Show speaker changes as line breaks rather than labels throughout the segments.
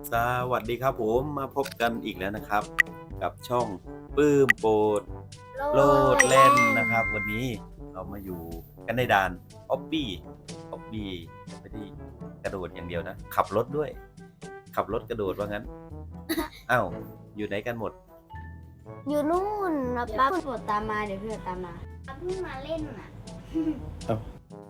สวัสดีครับผมมาพบกันอีกแล้วนะครับ กับช่องปื้มโปรดโลดแล่นนะครับ วันนี้เรามาอยู่กันในด่านออบบี้ไม่ได้กระโดดอย่างเดียวนะขับรถด้วย ขับรถกระโดดว่างั้น อ้าวอยู่ไหนกันหมด
อยู่นู่นนะป้าเพื่อนตามมาเดี๋ยวเพื่อนตามมาป้าเพิ่งมาเล่นน่ะ
เอ้า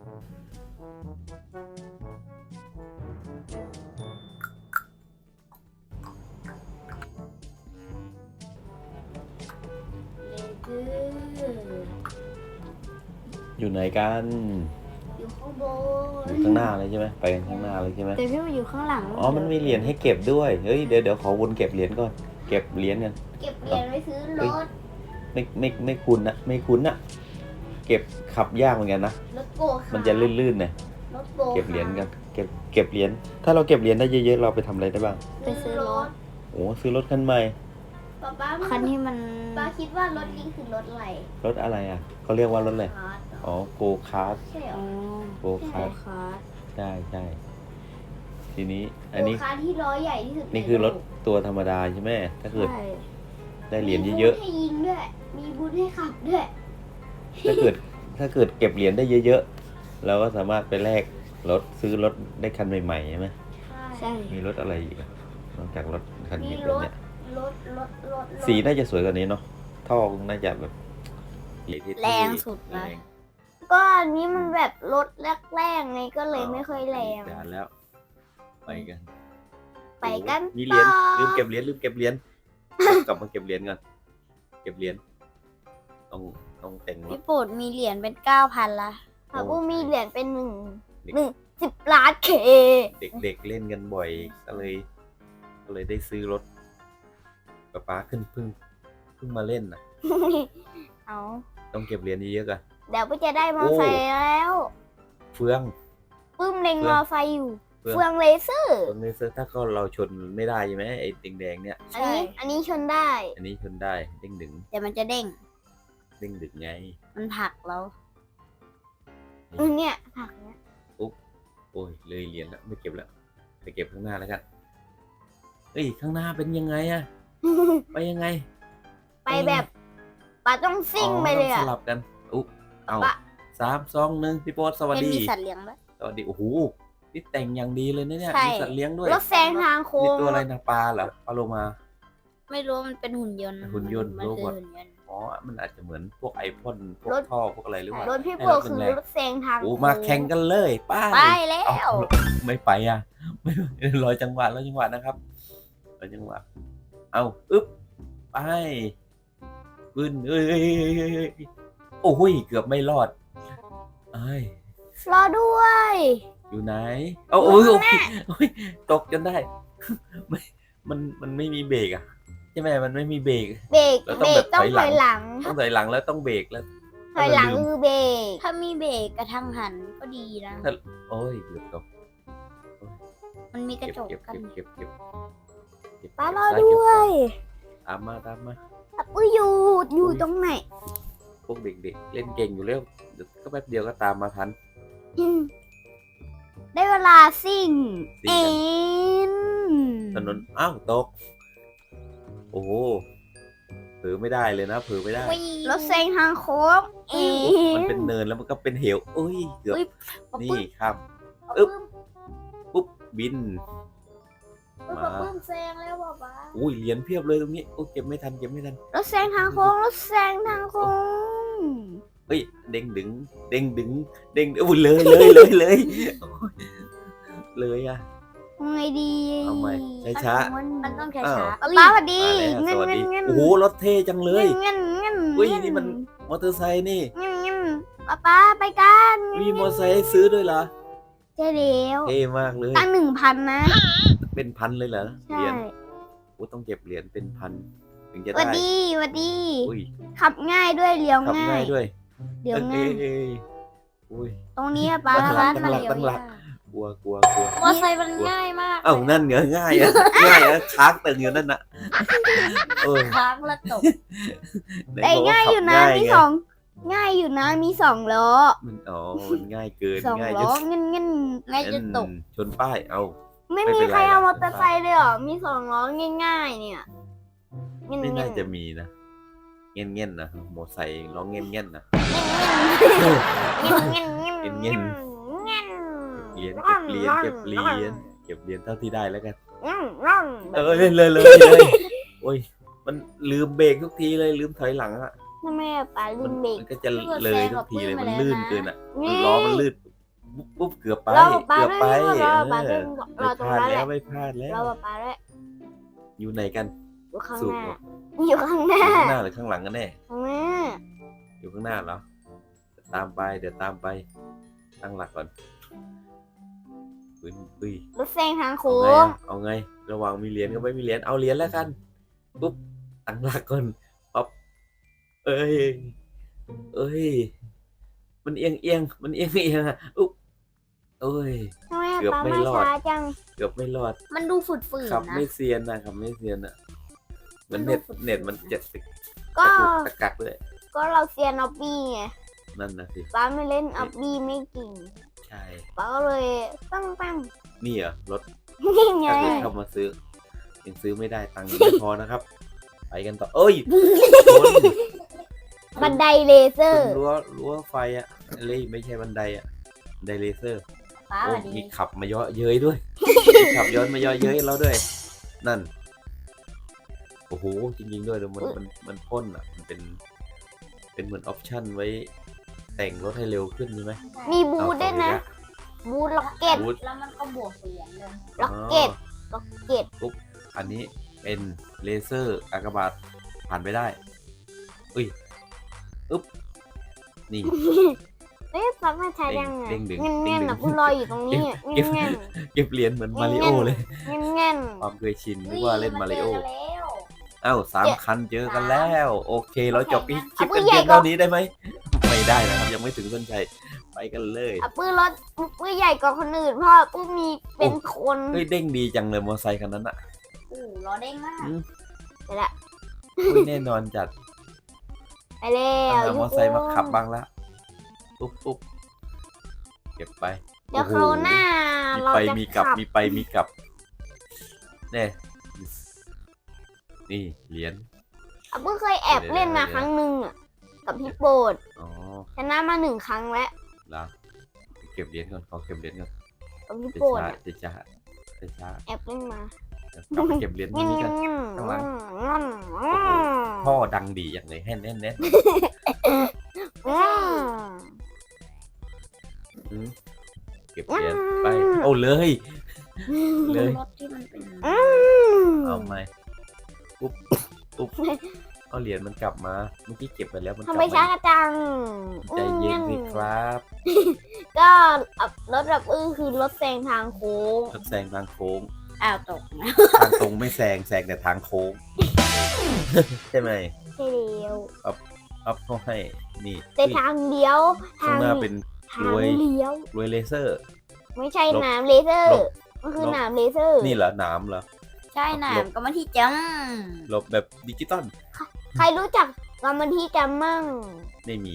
อยู่ไหนกัน
อยู่ข้างบ
อยู่ข้างหน้าเลยใช่ไหมไปกันข้างหน้าเลยใช่ไหม
แต่พี่มาอยู่ข้างหลัง
อ๋อมันมีเหรียญให้เก็บด้วยเฮ้ยเดี๋ยวขอวนเก็บเหรียญก่อนเก็บเหรียญกัน
เก็บเหรียญไว้ซื้อรถ
ไม่คุ้นนะเก็บขับยากเหมือนกันนะ
รถโกคาร์ท
มันจะลื่นๆนะ
รถโกคาร์ท
เก็บเหรียญกันเก็บเหรียญถ้าเราเก็บเหรียญได้เยอะๆเราไปทำอะไรได้บ้าง
ไปซื้อรถ
โอ้ซื้อรถคันใหม่
ป้าคันที่มันป้าคิดว่ารถนี้คือรถอะไร
รถอะไรอ่ะเขาเรียกว่ารถอะไร
คาร์ทเหรอ
อ๋อโกคาร์ท
ใช่เหรอ
โกคาร์ท
คาร์ท
ใช่ทีนี้
โก
อันนี้
คาร์ทที่ล้อใหญ่ที่สุด
นี่คือรถตัวธรรมดาใช่ไหมถ้าเกิด
ใช่
ได้เหรียญเยอะ
มีบูธให้ยิงด้วยมีบูธให้ขับด้วย
ๆถ้าเกิดเก็บเหรียญได้เยอะๆเราก็สามารถไปแลกรถซื้อรถได้คันใหม่ๆใช่ไหม
ใช่
มีรถอะไรอีกอะนอกจากรถคัน
มี
นี้
ร
แบบ
ถ
เนี้ย
รถ
สีน่าจะสวยกว่านี้เนาะท่อน่าจะแบบเท่ๆ
แรงสุดนะ
แรง
ก็อันนี้มันแบบรถแรกๆไงก็เลยไม่ค่อยแรง
ด่านแล้ว ไปกัน
ไปกัน
มีเหรียญ
ต่อ
ลืมเก็บเหรียญกลับมาเก็บเหรียญก่อนเก็บเหรียญต้องแต่งรถ
พี่ปูดมีเหรียญเป็น9,000ละค่ะ
โอ้
ปูมีเหรียญเป็น
เด็ก
10 ล้านเค
เด็กเล่นกันบ่อยก็เลยได้ซื้อรถป๊าเพิ่งมาเล่นน่ะ
เอา
ต้องเก็บเหรียญเยอะๆกัน
เดี๋ยวปูจะได้มอไซค์แล้ว
เฟือง
ปื้มเล็ง
เฟื
ม
อง
อไซค์อยู่
เฟือง
เฟืองเลเซอร์
ตรงนี้ถ้าก็เราชนไม่ได้ใช่ไหมไอ้แดงๆเนี่ย
อันนี้ชนได้
อันนี้ชนได้เด้งดึง
แต่มันจะเด้ง
ไง
มันผลักเราเนี่ยผลักเนี่ย
โอ้ยเลยเหรียญแล้วไม่เก็บแล้วไปเก็บข้างหน้าแล้วกันเอ้ยข้างหน้าเป็นยังไงอะไปยังไง
ไปแบบป้าต้องซิ่งไปเลย
ต้
อะ
องสลับกันอุ๊เอา
ปะ
3 2 1พี่โป๊ตสวัส
เป็น
ดี
มีสัตว์เลี้ยงด้วย
สวัสดีโอ้โหนี่แต่งอย่างดีเลยนะเนี่ย
ใช่
มีสัตว์เลี้ยงด้วย
รถแซงทางโค้
นี่
ง
ตัวอะไรนะปลาเหรอปลาโลมา
ไม่รู้มันเป็นหุ่นยนต์
หุ่นยนต์
มัน
โร
คื
บ
อ
อท
หุ่นยนต์
อ๋อมันอาจจะเหมือนพวกไอพ่นพวก
รถ
ท่อพวกอะไรหรือเปล่าร
ถพี่โพ
ให้
คือ
แรง
รถแซงทาง
โอ้
โค้ง
มาแข่งกันเลยไป้า
ไปแล้ว
ไม่ไปอ่ะไม่รอจังหวะนะครับรอจังหวะเอาอึ๊บไปบึ้นเอ้ยโอ้ยเกือบไม่รอดเอ้ย
รอด้วย
อยู่ไหนโอ้ยโอ้ยตกจนได้ ไม่มันไม่มีเบรกอ่ะใช่ไหมมันไม่มีเบรก
เบรก
แล้วต้
เบ
อง
ร
แบ
ก
บ
ต้อง
ถ
ถ
อ
อย ย
ห
ห
ลั
ลั
ง
ง
ต้องถอยหลังแล้วต้องเบรกแล้ว
ถอยหลัง
ลืม
คือเบรกถ้ามีเบรกกระทั่งหันก็ดีนะ
โอ้ยเกือบตก
มันมีกระจก
เก็บ
กัน
เก็บ
ป้ารอ
ซ้าเก็บ
ด้วย
ตามมา
อุ้ยอยู่ตรงไหน
พวกเด็กๆเล่นเก่งอยู่แล้วเดี๋ยวก็แป๊บเดียวก็ตามมาทัน
อืมได้เวลาซิ่ง
ซิ่
เอ็
งกัน
น
ถนนอ้าวตกโอ้โหเผลอไม่ได้เลยนะเผลอไม่ได้
รถแซงทางโค้งเอ็
มัน
น
เป็นเนินแล้วมันก็เป็นเหวโอ้ยเกือบ
อุ๊ย
นี่ครับ
อึ๊บ
ปุ๊บบิน มา
ปื้มแซงแล้วป้า
อุ้ยเหรียญเพียบเลยตรงนี้โอ้เก็บไม่ทัน
รถแซงทางโค้งรถแซงทางโค้ง
เฮ้ยเด้งดึงอุ้ยเลยโอ้ยเลยอ่ะ
ไงดี
เอาใหม่ช้า
มันต้องช้า
อ้าว
ช้าป้าสวัสดี
มาแล้วสวัสดี
เงิน
โอ้โหรถเท่จังเลย
เงิน
เฮ้ยนี่มันมอเตอร์ไซค์นี่
เงินป้าไปกัน
มีมอเตอร์ไซค์ให้ซื้อด้วยเหรอ
ใช่แล้ว
เท่มากเลย
ตั้ง1,000นะ
เป็นพันเลยเหรอเห
ใช่
รียญโอ้ต้องเก็บเหรียญเป็นพันถึงจะ
สวัส
ได้
ดีสวัสดี
อุ้ย
ขับง่ายด้วยเลี้ยว
ขับ
ง่า
ง่าย ยด้วย
เลี้ยวง่าย
เอ้ยอุ้ย
ตรงนี้ป้า
ตั้งหลัก
ร้านมัน
ตั้งหลัก
เลี้ยว
กลัว
มอไซค์มันง่ายมาก
เอ้านั่นเหรอง่ายอะค้างตึงอยู่นั่นน่ะเออ
ค้างแล้วตก
ไหน
แต่
บอกว่
ง่ายอยู่นะ
ขับ
มี
ไง
สองง่ายอยู่นะมี2 ล้อ
มันอ๋อมันง่ายเกิน
2
ง่าย
ล้อเงินง่ายจะตก
ชนป้ายเอา
ไม่มีใครเอามอเตอร์ไซค์เลยเหรอมี2 ล้อง่ายๆเนี่ยเงี้ย
ไม่
เงี้
น่าย จะมีนะเงี้ยเงี้ยนะมอไซค์ร้องเงี้ยเงี้ยนะ
เงี้ยเงี้ยเงี้ย
เงี้ย
เงี้ย
เก็บเหรียญเท่าที่ได้แล้วกัน
แบบ
เลยโอ้ยมันลืมเบรกทุกทีเลยลืมถอยหลังอะ
ทำไมป๋าลืมเบรก
มันก็จะเลยทุกทีเลยมันลื่นเกินอะ
นี่
ล้อมันลื่นปุ๊บเกือบไป
เราป๋า
เกือบไป
ด้วยเราป๋า
เอ
ด้วย
อ
เราตรงนั้นแหละ
ไม่พลาดแล้ว
เราป๋าด้วย
อยู่ไหนกัน
อยู่ข้าง
สู
ห
บ
น้า
เหรอ
อยู่ข้างหน้า
อยู่ข้างหน้าหรือข้างหลังกันแน่
ข้างหน้า
อยู่ข้างหน้าเหรอตามไปเดี๋ยวตามไปตั้งหลักก่อนอุ้ย
รถแซงทาง
เอา
โค้
ไง
ง
อะเอาไง ระหว่างมีเหรียญกับไม่มีเหรียญเอาเหรียญแล้วกันปุ๊บตั้งหลักก่อนปั๊บเอ้ยมันเอียงมันเอียงอะอุ๊บเอ้ย
ทำไม
เกือบ
ป๋า
ไม่
มาร
อด
ช้าจัง
เกือบไม่รอด
มันดูฝืด
ขับ
ๆนะ
ไม่เซียนนะขับไม่เซียนอะมัน
มันดู
เน็ต
ฝึกๆ
มัน70
ก็
ตะกักเลย
ก็เราเซียนออบบี้ไง
นั่นนะสิ
ป๋าไม่เล่นออบบี้ไม่เก่ง
ใช่
ป๋าก็เลยปั้ง
นี่เหรอรถ
นี่ไง
ถ้าเกิดเข้ามาซื้อยังซื้อไม่ได้ตังค์ยังไม่พอนะครับ ไปกันต่อเอ้ยช
บันไดเลเซอร์
รั้วไฟอะอะไรไม่ใช่บันไดอะบันไดเลเซอร์
ป้า
โอ้
สวัสดี
มีขับมาเยอะเย้ยด้วย มีขับย้อนมาเยอะเย้ยเราด้วย นั่นโอ้โหจริงๆด้วยเดี๋ยวมันพ่นอะมันเป็นเหมือนออปชั่นไว้ แต่งรถให้เร็วขึ้นใช่ไหม
มีบูธด้วยนะ บูธล็อกเก็ต
บูธ
แล้วมันก็บวกเหรียญเลย
ล็อกเก็ต ล็อกเก็ต
อันนี้เป็นเลเซอร์อากาบาตผ่านไปได้อุ้ยอึ๊บนี่
เอ๊ะปั๊บมาช้ายังไง
เด้งดึง
เงี้ย
เด้
เงี้ย
งดึง
นะคุณรออยู่ตรงนี้
เก็บ
เงี้ย
เก็บเหรียญเหมือนมาริโอเลย
เงี้ยเงี้ย
ความเคยชินนึกว่าเล่นมาริโอ
เจกันแล้ว
อ้าว3 คันเจอกันแล้ว โอเค เราจบคลิป
เอาปื
กัน
นใหญ่
เพียง
ก่อน
เท่านี้ได้ไหม ไม่ได้นะครับ ยังไม่ถึงเส้นชัยไปกันเลย
อ่ะปืนรถปืนใหญ่กว่าคนอื่นเพราะปืนมีเป็นคน
เฮ้ยเด้งดีจังเลยมอเตอร์ไซค์คันนั้นอ่ะ
ล้อเด้งมาก
ไปละ
อุ้ยแน่นอนจัด
ไปแล้
ต้อง
ว
หามอเตอร์ไซค์มาขับบ้างละปุ๊บเก็บไป
เดี๋ยวคราวหน้า
มี
เรา
ไป
จะ
มีกลับ
ขับ
มีไปมีกลับแน่นี่เหรียญ
อ่ะปืนเคยแอบเล่นมาครั้งหนึ่งอ่ะกับพี่โปรด
อ๋อ
ชนะมา1 ครั้งแล้ว
ละเก็บเหรียญก่อนขอเก็บเหรียญก่อน
กับพี่
จะ
โปรด
ช้า
อะ
จะช้าจะช้า
แอบเล่นมา
เดี๋ยวกลับไปเก็บเหรียญตรงนี้กัน ข้างหลัง พ่อดังดีอย่างเลยแน่นเก็บเหรียญไปโอ้เลยเลย
รถที่มันเป็น
เอาไหมปุ๊บเอาเหรียญมันกลับมาเมื่อกี้เก็บไปแล้วมันก
ทำ
ลับ
ไมช้า
มา
จัง
ใจเย็นสิครับ
ก็รถแบบคือรถแซงทางโค้ง
รถแซงทางโค้ง
อ้าวตกนะ
ทางตรงไม่แซงแต่ทางโค้ง ใช่ไหม
ใช่เดียว
อัพเขาให้นี่
แต่ทางเดียว
ข้างหน้าเป็น
ทางเลี้ยว
รวยเลเซอร์
ไม่ใช่
ลบ
หนามเลเซอร์
ลบ
มันคือ
ลบ
หนามเลเซอร์
นี่เหรอหนามเหรอ
ใช่หนามก็มาที่จัง
หลบแบบดิจิตอล
ใครรู้จักกรรมที่จำมั่ง
ไม่มี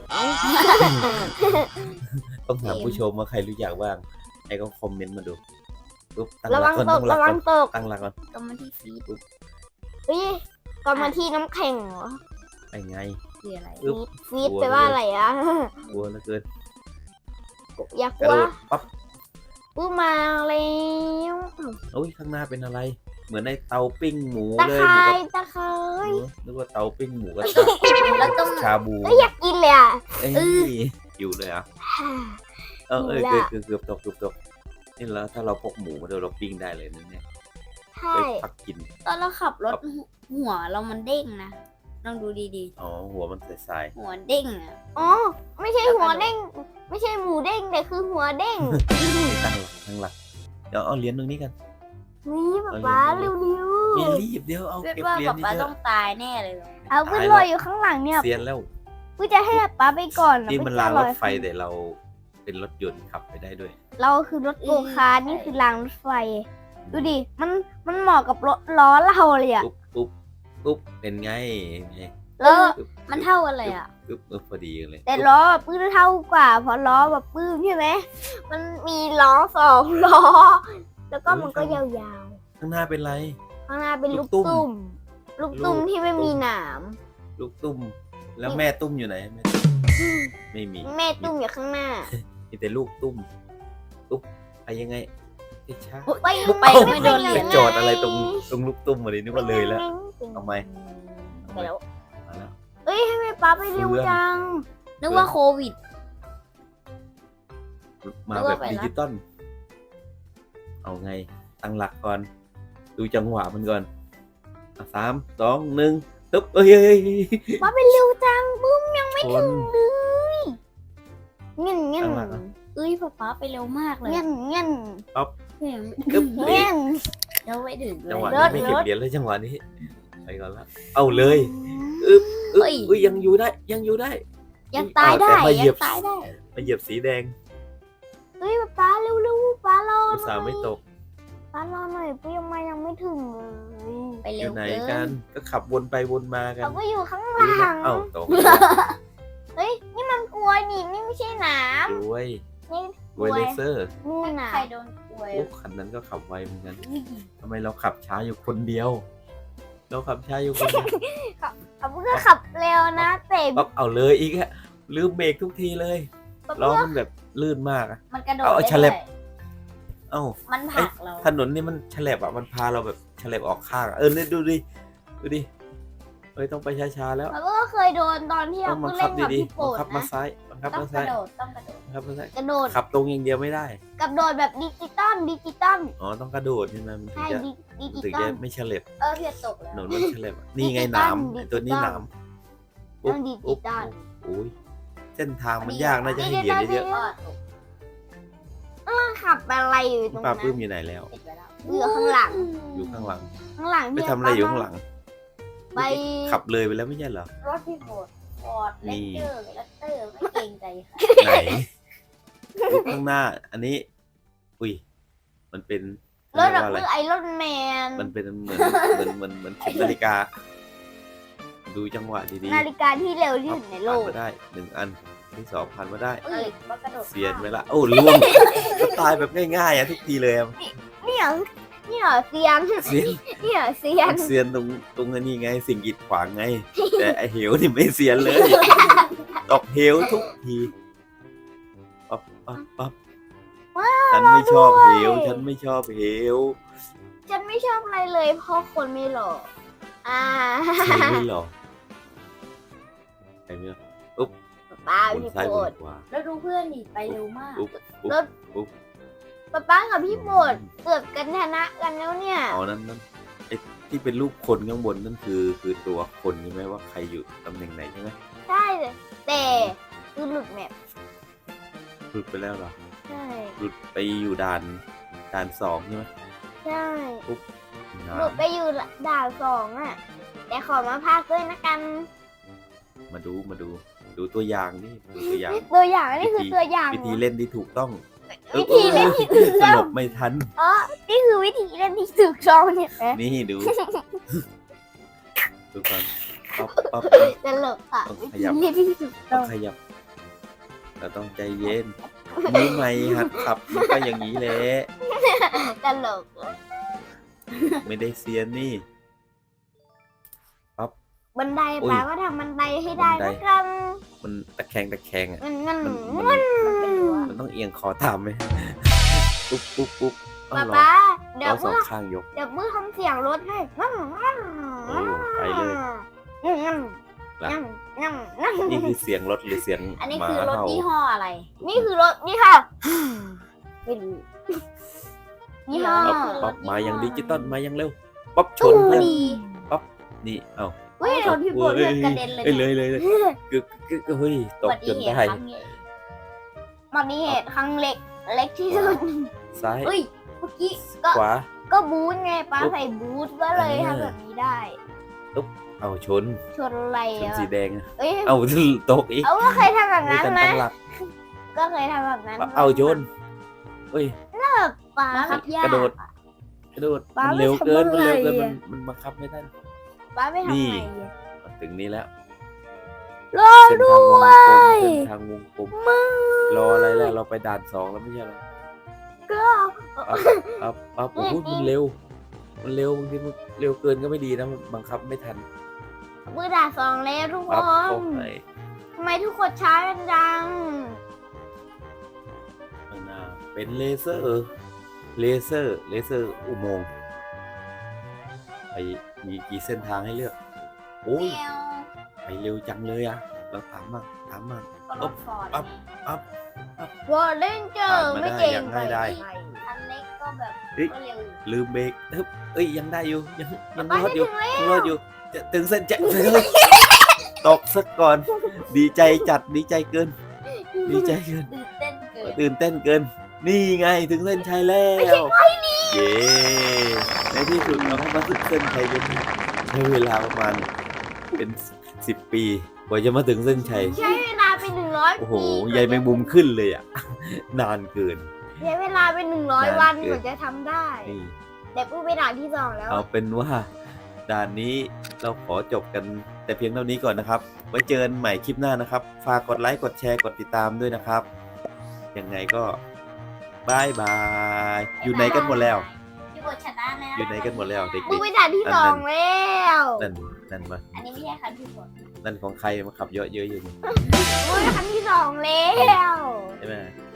ต้องถามผู้ชมว่าใครรู้จักบ้างไอ้ก็คอมเมนต์มาดูปุ๊บตั้งห
ระ
ลั
วั
ก
ง
ก่อน
ต
ตั้
ก
งหลั
ระ
ก
วั
ก่อง น
ตก
ตั้งหลักก่อน
ก็มาที่ฟีด
เฮ้ยกรรมที่น้ำแข็งเหรอ
ไอ้ไง
คืออะไร
อึ๊บ
ฟีด
กลัว
แปลว่าอะไรอะ
กลัวเหลือเกิน
อยาก
ก
ก
ระ
ลัว
โดดปั๊บ
ปื้มมาแล้ว
โอ้ยข้างหน้าเป็นอะไร เหมือนในเตาปิ้งหมู
ตะ
เลย
ไค
หมู
ร้
กระ
ตะไคร้
นึกว่าเตาปิ้งหมูกระทะ
แล้วต้อง
ชาบู
เอ้ยอยากกินเลยอ่ะ
เอ้ยอยู่เลยอ่ะ
หิว
เกื
ละ
อบเกือบตกนี่แล้วถ้าเราพกหมูมาด้วยเราปิ้งได้เลยนะเนี่ย
ใช่
ไปพักกิน
ตอนเราขับรถหัวเรามันเด้งนะลองดูดี
อ๋อหัวมันใส
ๆ หัวเด้งอ่ะ
อ๋อไม่ใช่หัวเด้ง ไม่ใช่หมูเด้งแต่คือหัวเด้ง
ๆตั้งหลักเดี๋ยวเอาเหรียญตรงนี้กัน
นี่ป๊าป๊าเร็ว
มีรีบเดี๋ยวเอา
คิด
เก็บ
ว่า
เหรียญ
ป๊า
นี่
ต้องตายแน่เลย
ๆเอาขึ้นลอยอยู่ข้างหลังเนี่ย
เซียนแล้ว
กูจะให้ป๊าไปก่อน
นี่มัน
ไ
รางรถไฟ
ขึ้น
แต่เราเป็นรถยนต์ขับไปได้ด้วย
เราคือรถโกคาร์ทนี่คือรางรถไฟ ดูดิ มันเหมาะกับรถล้อเราเลยอ่ะ
ปุ๊บเป็นไง
แล้ว
มันเท่ากันเลยอ่ะ
พอดีเลย
แต่ล้อปื้มเท่ากว่าเพราะล้อแบบปื้มใช่ไหมมันมีล้อ2 ล้อ แแล้วก็มันก็ยาว
ข้างหน้าเป็นไร
ๆข้างหน้าเป็น
ลู
ลู
ก
ก
ตุ้
ตุ้
ม
ม ลูกตุ้มที่ไม่มีหนาม
ลูกตุ้ม แล้วแม่ตุ้มอยู่ไหนแม่ตุ้มไม่มี
แม่ตุ้มอยู่ข้างหน้า
มีแต่ลูกตุ้มตุ้มไปยังไงช้า
ไป
ไปไม่โดนเหรี
ไป
ยญ
จอดอะไรตรงลูกตุ้มมาดินึกว่าเลยแล้ว ทำไม
ไปแล้ว
มาแล้ว
เอ้ยให้แม่ป๊าไปเร็วจัง
นึกว่าโควิด
มาแบบดิจิตอลเอาไงตั้งหลักก่อน ดูจังหวะมันก่อน3 2 1ตึ๊บเอ้ย
ป๊าไปเร็วจังบึ้มยังไม่
ช
ถึ
น
งเลยเงี้ยเงี้ย
ตั้งหลักอ่ะ
เอ้ยป๊าไปเร็วมากเลย
เงี้ยเงี้ย
ตึ๊บเบร
เงี้ย
ก
แล้วไม่ถึงเล
จังหวะ
ย
นี้ไม่เก็บเหรียญเลยจังหวะนี้ไปก่อนละเอาเลยอึ๊บอุ้ยยังอยู่ได้ยังอยู่ได้
ยังตายได้
แต่มาเหยี
ยั
ยบ
งตายได้
มาเหยียบสีแดง
เฮ้ยป๊าเร็วๆป๊ารอ
อุตส่าห์ไม่ตก
ป๊ารอหน่อยป๊ายังไม่ถึงเลย
ไป
อ
เร็ว
ยู่ไหน
เกิ
กัน
น
ก็ขับวนไปวนมากัน
เราก็อยู่ข้างหลัง
เอ้าตก
เฮ้ยนี่มันกลวยนี่ไม่ใช่หนาม
รวย
นี่
รวยเลเซอร์
นี่หนา
ใครโดนป่วย
โอ้คันนั้นก็ขับไวเหมือนกันทำไมเราขับช้าอยู่คนเดียว เราขับช้าอยู่คนเดียว
เขาเพื่อขับเร็วนะแต่
ปั๊บเอาเลยอีกฮะลืมเบรกทุกทีเลย
ป๊า
ล้อ
เพื่อ
มันแบบลื่นมากอะ
มันกระโดด
เอา
ได้
ฉลับ
ด้วย
เอ้า
มันผลักเรา
ถนนนี่มันฉลับอ่ะมันพาเราแบบฉลับออกข้างอะเนี่ยดูดิดูดิเฮ้ยต้องไปช้าๆแล้ว
ป๊าก็เคยโดนตอนที่
ต้
เรา
องบั
เพิ่
ง
ง
คั
เล่
บ
นกับ
ดี
พี่
ๆ
โปร
บัง
ด
คับมา
นะ
ซ้ายบังคับ
ต้อง
มาก
ระ
ซ้าย
โดดต้องกระโดด
บังคับมาซ้าย
กระโดด
ขับตรงอย่างเดียวไม่ได้
กับโดดแบบดิจิตอล
อ๋อต้องกระโดดใช่ไหมมันถึง
ใช่
จะ
ดิ
มัน
จิ
ถึง
ตอ
จะ
ล
ไม่ฉลับ
เพียตก
ถ
แล้ว
นนมันฉลับอะนี่ไงหนามไอ้ตัวนี้หนาม
ต้องดิจิตอล
โอ้ยเส้นทางมันยากน่าจะให้เหรียญเยอะ
ก็ตก
ขับอะไรอยู่ตรง
ๆป้า
นั้น
ปื้มอยู่ไหนแล้ว
ติดไว้แล้ว
อยู่ข้างหลัง
อยู่ข้างหลัง
ข้างหลัง
ไป
พี่
ทำอะไรอยู่ข้างหลัง
ไป
ขับเลยไปแล้วไม่ใช่เหรอ
รถพี่โบดฟอร์ดเล
นี่
คเตอร์เลคเตอร์ไม่เกรงใจค่ะ
ไหนข้างหน้า อันนี้ อุ้ยมันเป็น
รถ
เรีย
ดั
ก
บ
ว่าอะไร
มือไอรอนแมน
มันเป็นเหมือนเข็มนาฬิกา ดูจังหวะดี
นาฬิกาที่เร็วที่
ๆ
สุดในโล
ผ่าน
ก
มาได้1 อันที่2ผ่านมาได้
เอ้ยว่ากระโดด
เสียนไปละโอ้ล่วงก็ตายแบบง่ายๆอ่ะทุกทีเลยอะ
เนี่ยเซียน
เสียน
เนี่ยเซียน
เสียนตรงอันนี้ไง สิ่งกีดขวางไง แต่ไอเหวนี่ไม่เสียนเลยตกเหวทุกทีปั๊บปั๊บปั๊บฉันไม่ชอบเหวฉันไม่ชอบเหว
ฉันไม่ชอบอะไรเลยเพราะคนไม่หล่อ
ใครไม่หรอใครไม่หรอ
ป้า
บน
พี่
ซ้าย
โปร
บ
ด
นขวา
แล้วดูเพื่อนดิไปเร็วมาก
ปุ๊บปุ๊บ
รถ
ปุ๊บ
ป้ากับพี่โปรดเกือบกันชนะกันแล้วเนี่ย
อ๋อนั่นไอ้ที่เป็นรูปคนข้างบนนั่นคือตัวคนใช่ไหมว่าใครอยู่ตำแหน่งไหนใช่ไหม
ใช่เลยแต่คือหลุดแมป
หลุดไปแล้วเหรอ
ใช่
หลุดไปอยู่ด่าน2ใช่ไหม
ใช่
ด่า
หลุด
น
ไปอยู่ด่าน2อ่ะ แต่ขอมาพากด้วยนะกัน
มาดูตัวอย่างนี่ดูตัวอย่าง
ตัวอย่างนี่คือตัวอย่าง
วิธีเล่นที่ถูกต้อง
วิธีเล่นที่ถูก
ส
ต้อง
ลบไม่ทัน
นี่คือวิธีเล่นที่ถูกต้องเนี่ยนะ
นี่ดูดูก่อนปั๊บปั๊บ
ตลกอ่ะ
ต้อง
วิ
ข
ธี
ยับ
เล่นที่ถูก
ต้
ต้
อ
อง ง
ขยับเราต้องใจเย็นมือใหม่หัดขับมันก็อย่างนี้แหละ
ตลก
ไม่ได้เซียนนี่
บันได
อุ้ย
แปลว่าทำบันไดให้ได้
บันได
นะกัน
มันตะแคงอ่ะ
มัน
มันเป็นรั้ว
มันต้องเอียงคอตามไหมปุ๊บปุ๊บปุ๊บเอา
ป๊า
เหรอ
ป๊าเดี๋ยว
เอาสอ
เมื่
ง
อ
ข้างยก
เดี๋ยวมือทำเสียงรถให้
โอ้ไปเลย ล่ะ นี่คือเสียงรถหรือเสียง
อันนี้
หมา
คือรถ
เห่า
ยี่ห้ออะไร
นี่คือรถนี่ค่ะไม่รู้ยี่ห้อ
ปั๊บปั๊บมายังดิจิตอลมายังเร็วปั๊บชน
พ
เพื่
อ
อน
ดี
นี่เอ้า
เฮ้ย
ชนพี่โบดเลือดกระเด็นเลย
เอ้ยเลยกึกเฮ้ยต
อุ
ก
บัติ
จน
เห
ได้
ตุครั้งใหญ่
อุบัติเหตุครั้งเล็กที่สุด
ซ้าย
เฮ้ยเมื่อกี้
ขวา
ก็บูทไงป้า
ปุ๊บ
ใส่บูทก็เลย
อ่า
ทำแบบนี้ได้
เอาชน
ชนอะไร
ชน
อ่ะ
สีแดงอะ
เอ้ย
เอาตกอีก
เอาก็เคยทำแบบ
ไม่
นั้น
ทัน
นะ
ตั้งหลัก
ก็เคยทำแบบนั้น
เอาชนเฮ้ย
ป้า
บังคับยาก
กระโดดมัน
ป๊า
เร็วเกิน
ไม่
มัน
ทำ
เร็วเกิน
อะไร
มัน
อะ
มันบังคับไม่ได้
ป้าไม่ทำ
นี่
ไงอะ
มาถึงนี้แล้ว
รอ
เส้น
ด้
ทางวง
ว
กลม
ย
เส้นทางวงกลมรออะไรแล้วเราไปด่าน2แล้วไม่ใช่เหรอ
ก็
ปั๊บโอ้โหมันเร็วบางทีมันเร็วเกินก็ไม่ดีนะมันบังคับไม่ทัน
มือด่า2แล้วทุกค
ปั๊บ
น
โอ้ย
ทำไมทุกคนช้ากันจัง
ข้างหน้าเป็นเลเซอร์อุโมงค์ไปมีกี่เส้นทางให้เลือกโอ้ย
แมว
ไปเร็วจังเลยอะเราถามมา
ก็รถฟอร์ด
ปั๊บ
วอร์เรนเจอร์ไม่เก่ง
อย่างง่ายได้
คันเล็กก็แบบ
เฮ้ย
ก็เร็วอยู่
ลืมเบรกเอ้ยยังได้อยู่ยัง
ไป
รอดอยู่
ถึงแล้ว
ยังรอดอยู่จะถึงเส้นใจเลยตกซะก่อน ดีใจจัดดีใจเกิน
ตื่นเต้นเกิน
ตื่นเต้นเกิน นี่ไงถึงเส้นชัยแล้วเย้ในที่สุดเราก็มาถึงเส้นชัยกันใช้เวลาประมาณเป็น10 ปีกว่าจะมาถึงเส้นชัย
ใช้เวลาเป็น100
โอ้โห
ปี
ใยแมงมุมขึ้นเลยอ่ะ นานเกิน
ใช้เวลาเป็น100 วันกว่าจะทำได้
นี่
แต่ผู้ไปด่านที่ 2 แล้ว
เอาเป็นว่าด่านนี้เราขอจบกันแต่เพียงเท่านี้ก่อนนะครับ ไว้เจอกันใหม่คลิปหน้านะครับ ฝากกดไลค์กดแชร์กดติดตามด้วยนะครับ ยังไงก็บายบาย อยู่ไหนกันหมดแล้ว
พี่บทชนะแล้ว
อยู่ไหนกันหมดแล้วเด็ก
ผู้ไปด่านที่ 2 แล้ว
ๆนั่นมา
อันนี้ไม่ใช่คันพี่บท
นั่นของใครมาขับเยอะๆอยู่นี่
ผู้ไปคันที่ 2 แล้ว
ใช่ไหม